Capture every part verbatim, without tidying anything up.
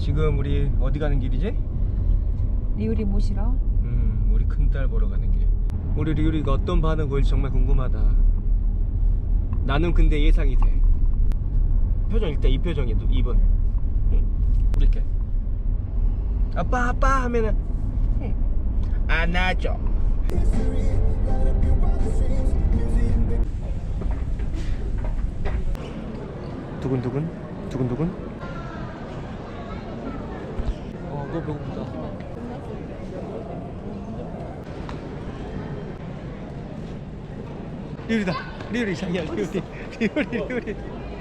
지금 우리 어디 가는 길이지? 리우리 모시러. 음, 우리 큰딸 보러 가는 길. 우리 리우리가 어떤 반응 보일지 정말 궁금하다. 나는 근데 예상이 돼. 표정 일단 이 표정이 입은. 응. 이렇게 아빠 아빠 하면은 안아줘. 두근두근 두근두근. 어, 너 배고프다. 리우리다. 리우리 자기야. 리우리 리우리 리우리.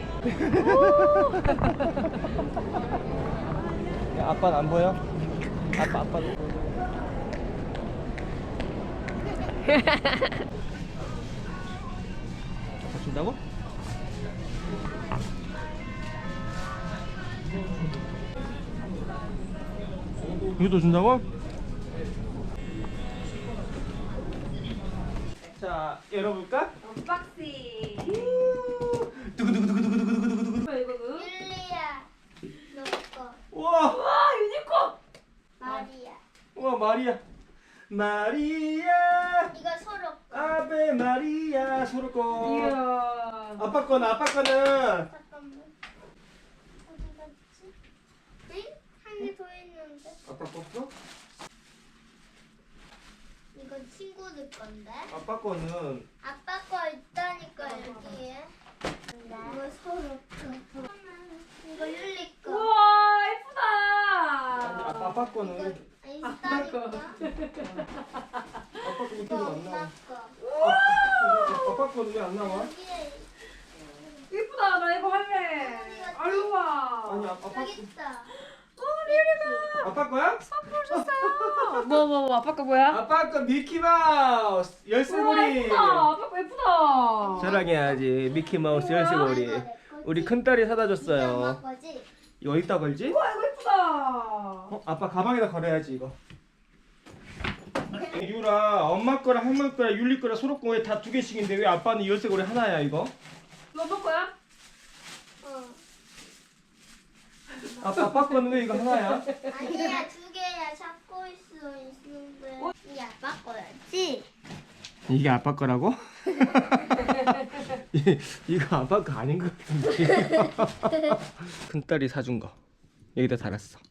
야, 아빠는 안 보여? 아빠 아빠. 아빠 준다고? 이것도 준다고? 자, 열어볼까? 언박싱. 두구두구두구두구두구두구두구. 뭐야 이거 그? 율리야, 너 거. 우와, 와 유니콘. 마리아. 우와 마리아, 마리아, 이거 서로. 아베 마리아 서로 거. 이야. 아빠 거는 아빠 거는. 잠깐만. 어디 갔지? 응? 한 개 더 있는데. 아빠 거? 이거 친구들 건데. 아빠 거는. 아빠 거 있다니까 여기에. 이거 서로 거. 이거 율리 거. 우와 아니, 예쁘다. 아빠, 아빠 이거 거는. 있다니까. 아빠 거 이렇게 이거 안 엄마 나와. 거. 아빠 거는 왜 안 나와? 여기에 예쁘다. 나 이거 할래. 아유 와. 아니 아빠 저기 있다. 어 리우리가 아빠 거야? 선물 줬어요. 뭐뭐 뭐 아빠 거 뭐야? 아빠 거 미키 마우스 우와 열쇠고리. 예쁘다. 아빠 거 예쁘다. 자랑해야지. 미키 마우스 우와. 열쇠고리. 이거 내 거지? 우리 큰 딸이 사다 이거 줬어요. 엄마 거지? 이거 어디다 걸지? 우와 이거 예쁘다. 어? 아빠 가방에다 걸어야지 이거. 유라 엄마 거랑 할머니 거랑 율리 거랑 소로 거에 다 두 개씩인데 왜 아빠는 열쇠고리 하나야 이거? 너 아빠 거야? 어. 아빠 아빠 거는 왜 이거 하나야? 아니야 두 개야 잡고 있어 있는데 이게 아빠 거였지? 이게 아빠 거라고? 이, 이거 아빠 거 아닌 것 같은데. 큰 딸이 사준 거 여기다 달았어.